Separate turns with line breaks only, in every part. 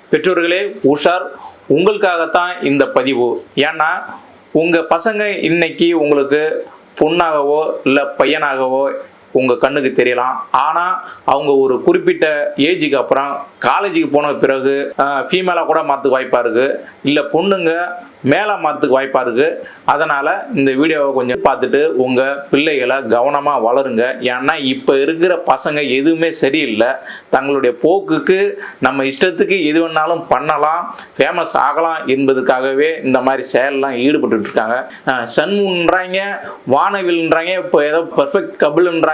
பெற்றோர்களே உஷார், உங்களுக்காகத்தான் இந்த பதிவு. ஏன்னா உங்கள் பசங்க இன்னைக்கு உங்களுக்கு பொண்ணாகவோ இல்லை பையனாகவோ உங்கள் கண்ணுக்கு தெரியலாம். ஆனால் அவங்க ஒரு குறிப்பிட்ட ஏஜுக்கு அப்புறம் காலேஜுக்கு போன பிறகு ஃபீமேலாக கூட மாற்றுக்கு வாய்ப்பாக இருக்குது, இல்லை பொண்ணுங்க மேலே மாற்றுக்கு வாய்ப்பாக இருக்குது. அதனால் இந்த வீடியோவை கொஞ்சம் பார்த்துட்டு உங்கள் பிள்ளைகளை கவனமாக வளருங்க. ஏன்னா இப்போ இருக்கிற பசங்க எதுவுமே சரியில்லை. தங்களுடைய போக்குக்கு நம்ம இஷ்டத்துக்கு எது வேணாலும் பண்ணலாம், ஃபேமஸ் ஆகலாம் என்பதுக்காகவே இந்த மாதிரி செயலெலாம் ஈடுபட்டு இருக்காங்க. சன்முன்றாங்க, வானவில்ன்றாங்க, இப்போ ஏதோ பர்ஃபெக்ட் கபிள்ன்றாங்க,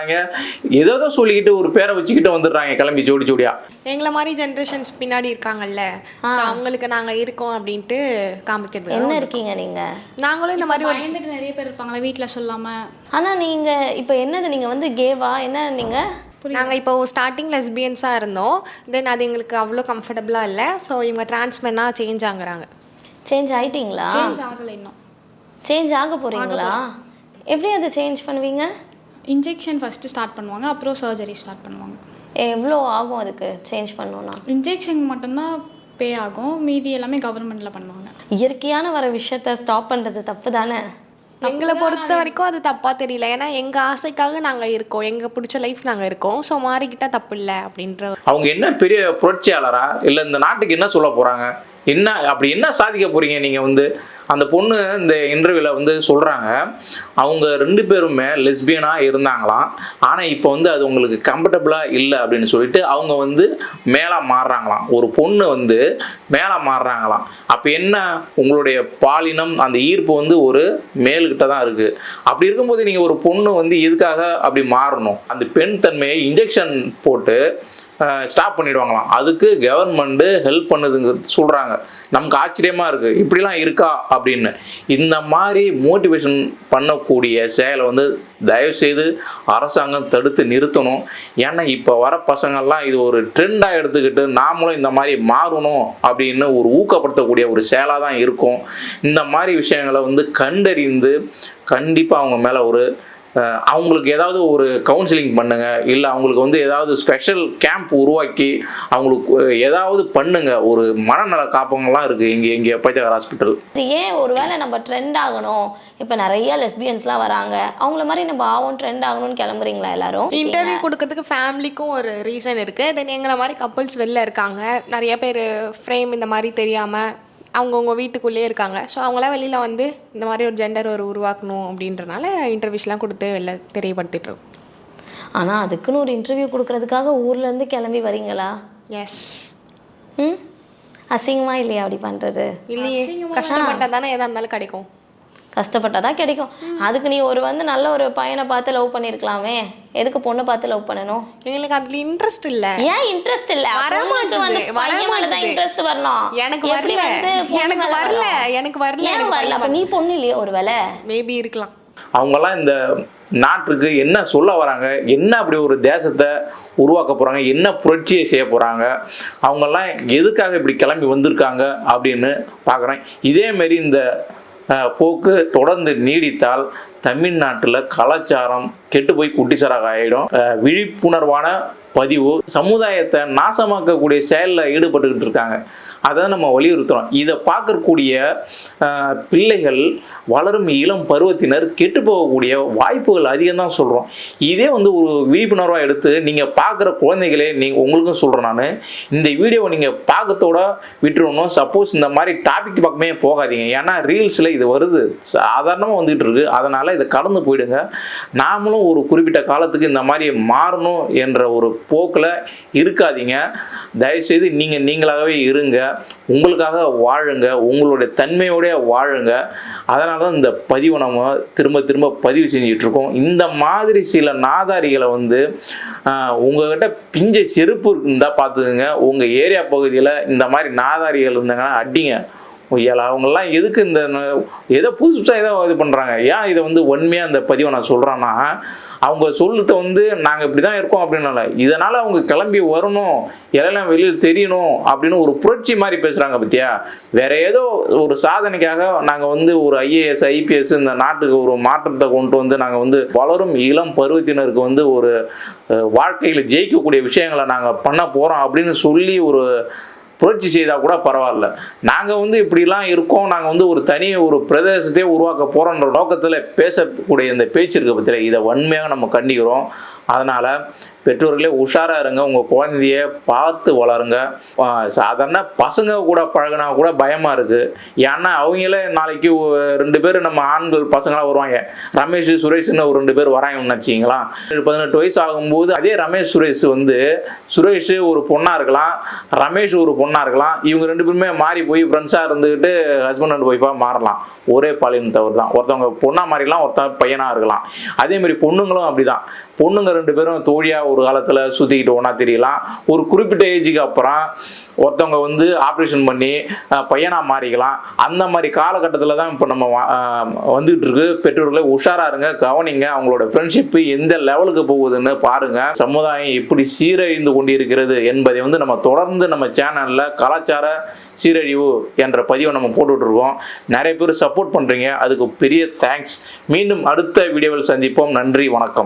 ஏதோ சொல்லிக்கிட்டு ஒரு பேரை வச்சுக்கிட்டு வந்துடுறாங்க கிளம்பி ஜோடி ஜோடியா.
எங்களை மாதிரி ஜென்ரேஷன்ஸ் பின்னாடி இருக்காங்கல்ல, அவங்களுக்கு நாங்கள் இருக்கோம் அப்படின்ட்டு காமிக்கிறது.
என்ன இருக்கீங்க நீங்க?
நாங்களும் இந்த மாதிரி
பயந்துட்டு நிறைய பேர் இருப்பாங்களா வீட்டில் சொல்லாமல்.
ஆனால் நீங்கள் இப்போ என்னது, நீங்கள் வந்து கேவா என்ன நீங்கள்?
நாங்கள் இப்போ ஸ்டார்டிங் லெஸ்பியன்ஸாக இருந்தோம். தென் அது எங்களுக்கு அவ்வளோ கம்ஃபர்டபுளாக இல்லை. ஸோ இவங்க டிரான்ஸ்மென்னாக சேஞ்ச் ஆகுறாங்க.
சேஞ்ச் ஆகிட்டீங்களா?
சேஞ்ச் ஆகலை இன்னும்.
சேஞ்ச் ஆக போகிறீங்களா? எப்படி அதை சேஞ்ச் பண்ணுவீங்க?
இன்ஜெக்ஷன் ஃபஸ்ட்டு ஸ்டார்ட் பண்ணுவாங்க, அப்புறம் சர்ஜரி ஸ்டார்ட் பண்ணுவாங்க.
எவ்வளோ ஆகும் அதுக்கு சேஞ்ச் பண்ணணும்னா?
இன்ஜெக்ஷன் மட்டும்தான் பே ஆகும், மீதி எல்லாமே கவர்மெண்ட்டில் பண்ணுவாங்க.
இயற்கையான வர விஷயத்த ஸ்டாப் பண்ணுறது தப்பு தானே?
எங்களை பொறுத்த வரைக்கும் அது தப்பாக தெரியல. ஏன்னா எங்கள் ஆசைக்காக நாங்கள் இருக்கோம், எங்கள் பிடிச்ச லைஃப் நாங்கள் இருக்கோம். ஸோ மாறிக்கிட்டால் தப்பு இல்லை அப்படின்ற.
அவங்க என்ன பெரிய புரட்சியாளரா இல்லை இந்த நாட்டுக்கு என்ன சொல்ல போகிறாங்க, என்ன அப்படி என்ன சாதிக்க போகிறீங்க நீங்கள்? அந்த பொண்ணு இந்த இன்டர்வியூவில் சொல்கிறாங்க, அவங்க 2 பேருமே லெஸ்பியனாக இருந்தாங்களாம். ஆனால் இப்போ அது உங்களுக்கு கம்ஃபர்டபுளாக இல்லை அப்படின்னு சொல்லிட்டு அவங்க மேலே மாறுறாங்களாம். ஒரு பொண்ணு மேலே மாறுறாங்களாம். அப்போ என்ன, உங்களுடைய பாலினம் அந்த ஈர்ப்பு ஒரு மேல்கிட்ட தான் இருக்குது. அப்படி இருக்கும்போது நீங்கள் ஒரு பொண்ணு எதுக்காக அப்படி மாறணும்? அந்த பெண் தன்மையை இன்ஜெக்ஷன் போட்டு ஸ்டாப் பண்ணிடுவாங்களாம். அதுக்கு கவர்மெண்ட்டு ஹெல்ப் பண்ணுதுங்க சொல்கிறாங்க. நமக்கு ஆச்சரியமாக இருக்குது, இப்படிலாம் இருக்கா அப்படின்னு. இந்த மாதிரி மோட்டிவேஷன் பண்ணக்கூடிய செயலை தயவுசெய்து அரசாங்கம் தடுத்து நிறுத்தணும். ஏன்னா இப்போ வர பசங்கள்லாம் இது ஒரு ட்ரெண்டாக எடுத்துக்கிட்டு நாமளும் இந்த மாதிரி மாறணும் அப்படின்னு ஒரு ஊக்கப்படுத்தக்கூடிய ஒரு செயலாக தான் இருக்கும். இந்த மாதிரி விஷயங்களை கண்டறிந்து கண்டிப்பாக அவங்க மேலே அவங்களுக்கு ஏதாவது ஒரு கவுன்சிலிங் பண்ணுங்க, இல்லை அவங்களுக்கு ஏதாவது ஸ்பெஷல் கேம்ப் உருவாக்கி அவங்களுக்கு ஏதாவது பண்ணுங்க. ஒரு மனநல காப்பகங்கள்லாம் இருக்குது இங்கே பைத்தியக்கார ஹாஸ்பிட்டல்.
ஏன் ஒருவேளை நம்ம ட்ரெண்ட் ஆகணும், இப்போ நிறைய லெஸ்பியன்ஸ்லாம் வராங்க, அவங்கள மாதிரி நம்ம ஆகும் ட்ரெண்ட் ஆகணும்னு கிளம்புறீங்களா எல்லாரும்?
இன்டர்வியூ கொடுக்கறதுக்கு ஃபேமிலிக்கும் ஒரு ரீசன் இருக்குது. தென் எங்களை மாதிரி கப்புள்ஸ் வெளில இருக்காங்க, நிறைய பேர் ஃப்ரேம் இந்த மாதிரி தெரியாமல் அவங்கவுங்க வீட்டுக்குள்ளேயே இருக்காங்க. ஸோ அவங்களாம் வெளியில் இந்த மாதிரி ஒரு ஜெண்டர் உருவாக்கணும் அப்படின்றனால இன்டர்வியூஸ்லாம் கொடுத்து வெளில தெரியப்படுத்திட்டுருக்கோம்.
ஆனால் அதுக்குன்னு ஒரு இன்டர்வியூ கொடுக்கறதுக்காக ஊர்லேருந்து கிளம்பி வரீங்களா?
எஸ்.
அசிங்கமாக இல்லையா அப்படி பண்ணுறது?
இல்லையே, கஷ்டப்பட்டால் தானே எதாக இருந்தாலும் கிடைக்கும்.
கஷ்டப்பட்டா தான் கிடைக்கும். அதுக்கு நீ நல்ல ஒரு பையனை பார்த்து லவ் பண்ணியிருக்கலாமே, எதுக்கு பொண்ணை பார்த்து லவ் பண்ணணும்?
எங்களுக்கு அதுல இன்ட்ரெஸ்ட் இல்லை.
ஏன் இன்ட்ரெஸ்ட் இல்லை? வரமாட்டேன். இன்ட்ரெஸ்ட் வரணும்.
எனக்கு வரல.
அப்ப நீ பொண்ணு இல்லையா? ஒரு வேளை
மேபி இருக்கலாம்.
அவங்கெல்லாம் இந்த நாட்டுக்கு என்ன சொல்ல வராங்க, என்ன அப்படி ஒரு தேசத்தை உருவாக்க போகிறாங்க, என்ன புரட்சியை செய்ய போகிறாங்க, அவங்கெல்லாம் எதுக்காக இப்படி கிளம்பி வந்திருக்காங்க அப்படின்னு பார்க்குறேன். இதேமாரி இந்த போக்கு தொடர்ந்து நீடித்தால் தமிழ்நாட்டில் கலாச்சாரம் கெட்டு போய் குட்டிச்சராக ஆகிடும். விழிப்புணர்வான பதிவு சமுதாயத்தை நாசமாக்கக்கூடிய செயலில் ஈடுபட்டுக்கிட்டு இருக்காங்க. அதை நம்ம வலியுறுத்துகிறோம். இதை பார்க்கக்கூடிய பிள்ளைகள், வளரும் இளம் பருவத்தினர் கெட்டு போகக்கூடிய வாய்ப்புகள் அதிகம்தான் சொல்கிறோம். இதே ஒரு விழிப்புணர்வாக எடுத்து நீங்கள் பார்க்குற குழந்தைகளே, உங்களுக்கும் சொல்கிறேன் நான், இந்த வீடியோவை நீங்கள் பார்க்கத்தோட விட்டுருணும். சப்போஸ் இந்த மாதிரி டாபிக் பக்கமே போகாதீங்க. ஏன்னா ரீல்ஸில் இது வருது, சாதாரணமாக வந்துகிட்டு இருக்கு. அதனால் இதை கடந்து போயிடுங்க. நாமளும் ஒரு குறிப்பிட்ட காலத்துக்கு இந்த மாதிரி மாறணும் என்ற ஒரு போக்கில் இருக்காதீங்க. தயவுசெய்து நீங்களாகவே இருங்க, உங்களுக்காக வாழுங்க, உங்களுடைய தன்மையோடைய வாழுங்க. அதனால தான் இந்த பதிவை நம்ம திரும்ப திரும்ப பதிவு செஞ்சிட்ருக்கோம். இந்த மாதிரி சில நாதாரிகளை உங்கள்கிட்ட பிஞ்சை செருப்பு இருந்தால் பார்த்துக்குங்க. உங்கள் ஏரியா பகுதியில் இந்த மாதிரி நாதாரிகள் இருந்தாங்கன்னா அடிங்க. அவங்கெல்லாம் எதுக்கு இந்த ஏதோ புதுசாக ஏதோ இது பண்ணுறாங்க? ஏன் இதை உண்மையாக அந்த பதிவை நான் சொல்கிறேன்னா, அவங்க சொல்லுறத நாங்கள் இப்படி தான் இருக்கோம் அப்படின்னால, இதனால் அவங்க கிளம்பி வரணும், எல்லாம் வெளியில் தெரியணும் அப்படின்னு ஒரு புரட்சி மாதிரி பேசுகிறாங்க பற்றியா. வேறு ஏதோ ஒரு சாதனைக்காக நாங்கள் ஒரு ஐஏஎஸ் ஐபிஎஸ் இந்த நாட்டுக்கு ஒரு மாற்றத்தை கொண்டு நாங்கள் வளரும் இளம் பருவத்தினருக்கு ஒரு வாழ்க்கையில் ஜெயிக்கக்கூடிய விஷயங்களை நாங்கள் பண்ண போகிறோம் அப்படின்னு சொல்லி ஒரு புரட்சி செய்தால் கூட பரவாயில்ல. நாங்கள் வந்து இப்படிலாம் இருக்கோம், நாங்கள் வந்து ஒரு பிரதேசத்தையே உருவாக்க போகிறோன்ற நோக்கத்தில் பேசக்கூடிய இந்த பேச்சு இருக்க பற்றியில் இதை வன்மையாக நம்ம கண்டிக்கிறோம். அதனால் பெற்றோர்களே உஷாராக இருங்க, உங்கள் குழந்தைய பார்த்து வளருங்க. சாதாரண பசங்க கூட பழகினா கூட பயமாக இருக்குது. ஏன்னா அவங்களே நாளைக்கு 2 பேர் நம்ம ஆண்கள் பசங்களாக வருவாங்க. ரமேஷ் சுரேஷ்னு ஒரு 2 பேர் வராங்கன்னு வச்சிங்களா. 18 வயசு ஆகும்போது அதே ரமேஷ் சுரேஷ் வந்து சுரேஷ் ஒரு பொண்ணாக இருக்கலாம், ரமேஷ் ஒரு பொண்ணாக இருக்கலாம். இவங்க 2 பேருமே மாறி போய் ஃப்ரெண்ட்ஸாக இருந்துக்கிட்டு ஹஸ்பண்ட் அண்ட் ஒய்ஃபாக மாறலாம். ஒரே பாலினத்தவர் தான். ஒருத்தவங்க பொண்ணாக மாறிக்கலாம், ஒருத்தவங்க பையனாக இருக்கலாம். அதேமாதிரி பொண்ணுங்களும் அப்படிதான். பொண்ணுங்க 2 பேரும் தோழியாக ஒரு காலத்தில் சுற்றிக்கிட்டு ஒன்றா தெரியலாம். ஒரு குறிப்பிட்ட ஏஜுக்கு அப்புறம் ஒருத்தவங்க வந்து ஆப்ரேஷன் பண்ணி பையனாக மாறிக்கலாம். அந்த மாதிரி காலகட்டத்தில் தான் இப்போ நம்ம வந்துகிட்டு இருக்கு. பெற்றோர்களே உஷாராக இருங்க, கவனிங்க. அவங்களோட ஃப்ரெண்ட்ஷிப்பு எந்த லெவலுக்கு போகுதுன்னு பாருங்கள். சமுதாயம் எப்படி சீரழிந்து கொண்டிருக்கிறது என்பதை வந்து நம்ம தொடர்ந்து நம்ம சேனலில் கலாச்சார சீரழிவு என்ற பதிவை நம்ம போட்டுட்ருக்கோம். நிறைய பேர் சப்போர்ட் பண்ணுறீங்க, அதுக்கு பெரிய தேங்க்ஸ். மீண்டும் அடுத்த வீடியோவில் சந்திப்போம். நன்றி, வணக்கம்.